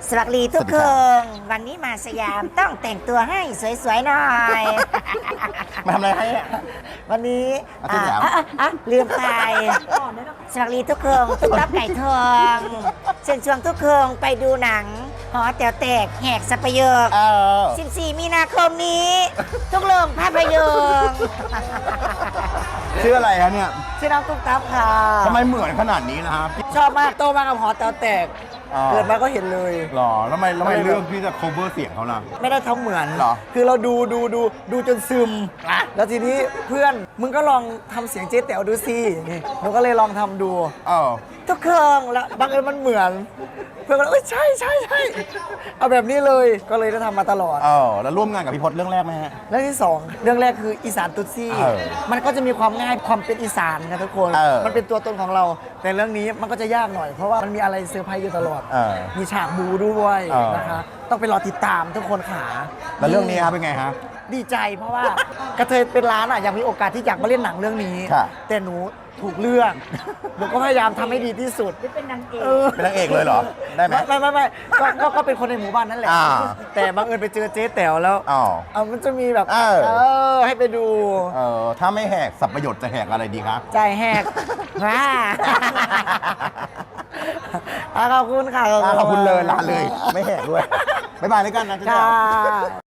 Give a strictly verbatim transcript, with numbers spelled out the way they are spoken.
สวัสดีทุกคนวันนี้มาสยามต้องแต่งตัวให้สวยๆหน่อยมาทำอะไรให้อะวันนี้มาที่ไหนอ่ะอ่ะอ่ะอ่ะลืมไปสวัสดีทุกคนตุ๊กตับไก่ทองเชิญชวนทุกคนไปดูหนังหอแต๋วแตกแหกสัปโยคเออสิบสี่มีนาคมนี้ ทุกโรงภาพยนตร์ชื่ออะไรคะเนี่ยชื่อน้องตุ๊กตับค่ะทำไมเหมือนขนาดนี้นะครับชอบมากโตมากับหอแต๋วแตกอ๋อเกิดมาก็เห็นเลยหรอแล้วทำไมแล้วทำไมเลือกที่จะ cover เสียงเขาล่ะไม่ได้ท้องเหมือนเหรอคือเราดูดูดูดูจนซึม แล้วทีนี้เพื่อนมึงก็ลองทำเสียงเจ๊แต๋วดูสินี่หนูก็เลยลองทำดูเออทุกเครื่องแล้วบังเอิญมันเหมือน เพื่อนก็เลยเอ้ยใช่ใช่ใช่เอาแบบนี้เลยก็เลยได้ทำมาตลอดเออแล้วร่วมงานกับพี่พจน์เรื่องแรกไหมฮะเรื่องที่สองเรื่องแรกคืออีสานตุ๊ดซี่เออมันก็จะมีความง่ายความเป็นอีสานนะทุกคนเออมันเป็นตัวตนของเรา แต่เรื่องนี้มันก็จะยากหน่อยเพราะว่ามันมีอะไรเซอร์ไพรส์อยู่ตลอดเออมีฉากบูด้วยเออนะคะต้องไปรอติดตามทุกคนขาแล้วเรื่องนี้ครับเป็นไงฮะดีใจเพราะว่ากระเทยเป็นร้านอ่ะยังมีโอกาสที่อยากมาเล่นหนังเรื่องนี้ค่ะแต่หนูถูกเลือกหนูก็พยายามทำให้ดีที่สุดเป็นนางเอกเป็นนางเอกเลยเหรอได้ไหมไม่ไม่ไม่ก็ก็ก็เป็นคนในหมู่บ้านนั่นแหละอ่าแต่บังเอิญไปเจอเจ๊แต๋วแล้วอ๋อเอามันจะมีแบบเออเออให้ไปดูเออถ้าไม่แหกสับประโยชน์จะแหกอะไรดีคะใจแหกว้าอ่ะขอบคุณค่ะอ่ะขอบคุณเลยลาเลย ไม่แหกด้วยบ๊ายบายแล้วกันนะเจ๊ค่ะแต๋ว